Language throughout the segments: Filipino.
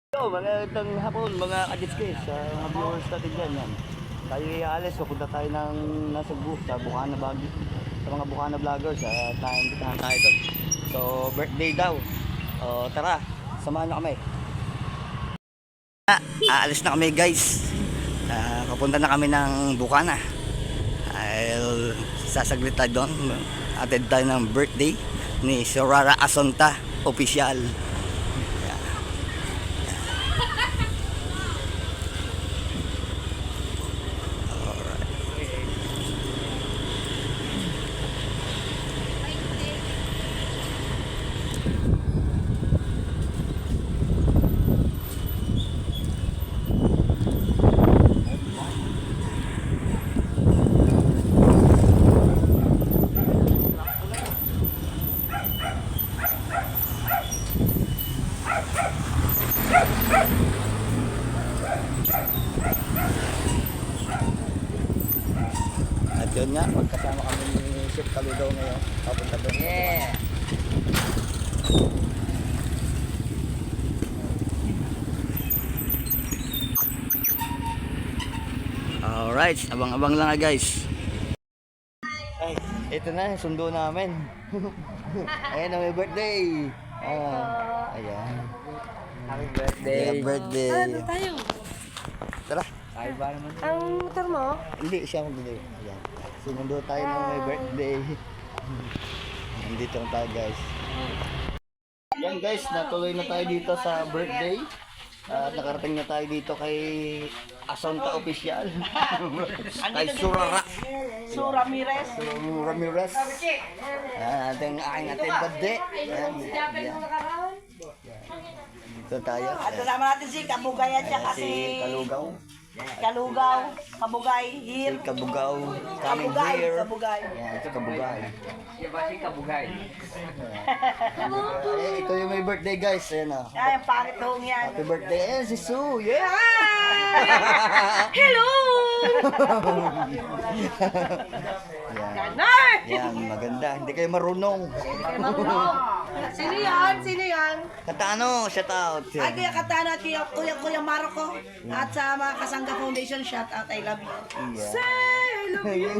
Yo, magandang hapon mga kaditskis, sa mga viewers natin dyan. Yan. Tayo ialis, pupunta tayo ng nasa booth sa Bukana Baguio. Sa mga Bukana vloggers, tayo doon. So, birthday daw. O, tara, samahan nyo kami. Aalis na kami guys. Papunta na kami ng Bukana. Dahil sasaglit tayo doon. Attend tayo ng birthday ni Sorara Asonta, official. At yun nga, magkasama kami ni Chef Kaludaw ngayon. Papunta doon. Yeah! Alright, abang-abang lang guys. Ay, ito na, sundo namin. Ayan, may birthday. Ayan. Happy birthday. Happy birthday. Ano tayo? Tara. Ay ba naman? Ang motor mo? Hindi, siya magbigay. Ayan. Sinundo tayo ng may birthday. Nandito na tayo guys. Yan guys, natuloy na tayo dito sa birthday. At nakarating na tayo dito kay Asonta Official. Kay Surara. Su Ramirez. Ramirez. Ating aking birthday. Yan. Dito tayo. At kasama natin si Kabugay at saka Si si Kalugaw. Kalugaw, Kabugay, here. Si Kabugaw coming Kabugay, here. Kabugay. Yan, si Kabugay. Yung ba si Kabugay? Ito yung may birthday guys. Ayan o. Ay, ang pangit hong yan. Happy birthday. Ayan si Sue. Yeah! Hello! Yan. Nay! Yan, maganda. Hindi kayo marunong. Sino yan? Sino yan? Katano, shout out. Ay, Kuya Katana at Kuya Marco. At sa mga Kasangga Foundation, shout out, I love you. Yeah. Say, I love you.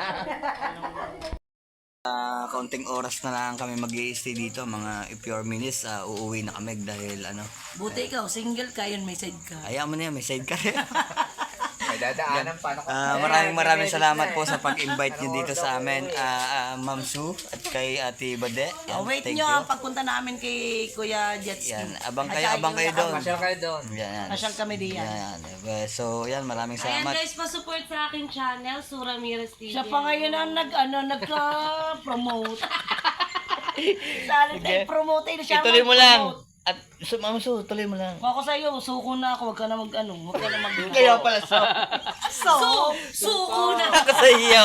Kaunting oras na lang kami mag-i-stay dito, mga few minutes, uuwi na kami dahil ano. Buti ikaw, single ka yun, may side ka. Ayaw mo na yan, may side ka rin. May dadaanan pa na Maraming salamat po sa pag-invite nyo dito sa amin, Ma'am Sue at kay Ate Bade. Yan, Wait thank nyo you. ang pagpunta namin kay Kuya Jetski. Yan, abang kayo doon. Masyal kayo doon. Yan. Masyal kami diyan. Yan. So, yan, maraming Ayan salamat. guys, pa-support sa aking channel, Sura Ramirez TV. Siya pa ngayon ang nagka-promote. Salit ay promote siya. Ituloy mo lang. At Ma'am Sue, tuloy mo lang. Ako sa iyo, suko na ako, wag ka na wag ka na mag Kaya pala suko na. Ako sa iyo.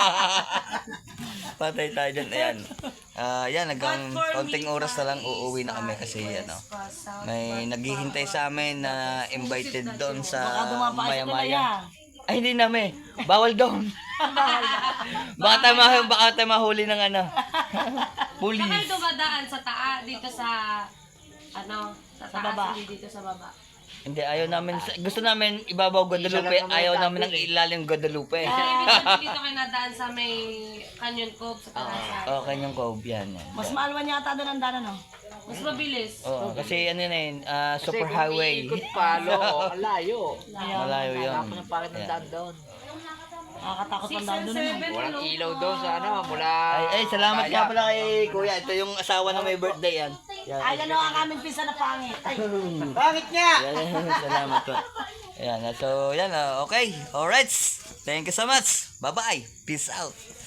Patay tayo dyan. Ayan. Yan, hanggang konting oras na lang uuwi na kami kasi ano, may naghihintay sa amin na invited doon sa maya-maya. Ay, hindi namin. Bawal doon. baka tayo mahuli ng ano. Saka Police. dumadaan sa dito sa, sa taas, baba. hindi dito sa baba. Hindi, ayaw namin. Gusto namin ibabaw Guadalupe. Ayaw namin ng ilalim Guadalupe. Ibig sabihin dito kayo nadaan sa may Canyon Cove sa Tarasan. Okay, yung Cove yan. Mas maalwan yata doon ang daanan, no? Mas mabilis. Oo, kasi ano na yun, super highway. Ikot palo, layo. Malayo yun. Tapos ang pangit ng daan doon. Nakakatakot 6 ang daan and doon. 7, Walang ano? ilaw doon sa ano, mula... Ay, salamat nga pala kay Kuya. Ito yung asawa na may birthday yan. Yan. Ay, ano ang aming pinsan na pangit. Ay, Bakit nga? Salamat po. Ayan, so yan, okay. Alright. Thank you so much. Bye-bye. Peace out.